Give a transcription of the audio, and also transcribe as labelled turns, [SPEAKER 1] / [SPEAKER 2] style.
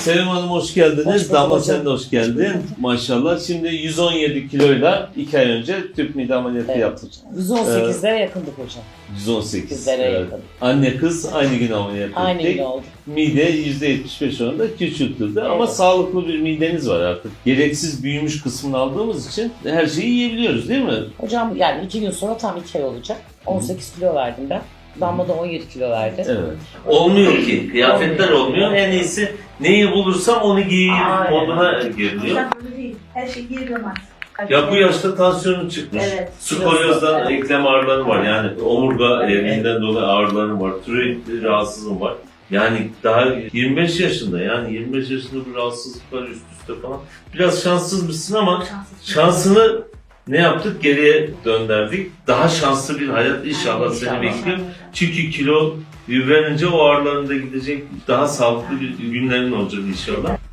[SPEAKER 1] Sevim Hanım hoş geldiniz.
[SPEAKER 2] Hoş bulduk
[SPEAKER 1] Damla
[SPEAKER 2] hocam.
[SPEAKER 1] sen de hoş geldin. Maşallah. Şimdi 117 kiloyla 2 ay önce tüp mide ameliyatı
[SPEAKER 2] Evet.
[SPEAKER 1] yaptık.
[SPEAKER 2] 118'lere yakındık hocam.
[SPEAKER 1] 118.
[SPEAKER 2] Bizlere yakın.
[SPEAKER 1] Anne kız aynı gün ameliyat
[SPEAKER 2] Aynı
[SPEAKER 1] ettik.
[SPEAKER 2] gün oldu.
[SPEAKER 1] Mide %75 oranında küçültüldü ama
[SPEAKER 2] Evet.
[SPEAKER 1] sağlıklı bir mideniz var artık. Gereksiz büyümüş kısmını aldığımız için her şeyi yiyebiliyoruz değil mi?
[SPEAKER 2] Hocam yani 2 gün sonra tam 2 ay olacak. 18 kilo verdim ben. Damla da 17 kilo verdi.
[SPEAKER 1] Evet. Olmuyor ki. Kıyafetler
[SPEAKER 2] Olmuyor.
[SPEAKER 1] olmuyor. En iyisi neyi bulursam onu giyeyim
[SPEAKER 2] Aynen.
[SPEAKER 1] moduna giriliyor.
[SPEAKER 3] Hocam öyle değil. Her şey yiyemez.
[SPEAKER 1] Ya bu yaşta tansiyonun çıkmış.
[SPEAKER 3] Evet.
[SPEAKER 1] Skolyozdan
[SPEAKER 2] Evet.
[SPEAKER 1] eklem ağrıları var. Yani omurga evinden dolayı ağrılarım var. Tiroid rahatsızlığım var. Yani daha 25 yaşında, yani 25 yaşında bu rahatsızlıklar üst üste falan. Biraz şanssızmışsın ama şansını ne yaptık? Geriye döndürdük. Daha şanslı bir hayat inşallah seni
[SPEAKER 2] İnşallah.
[SPEAKER 1] bekliyor. Çünkü kilo yüklenince o ağrıların da gidecek. Daha sağlıklı bir günlerin olacak inşallah.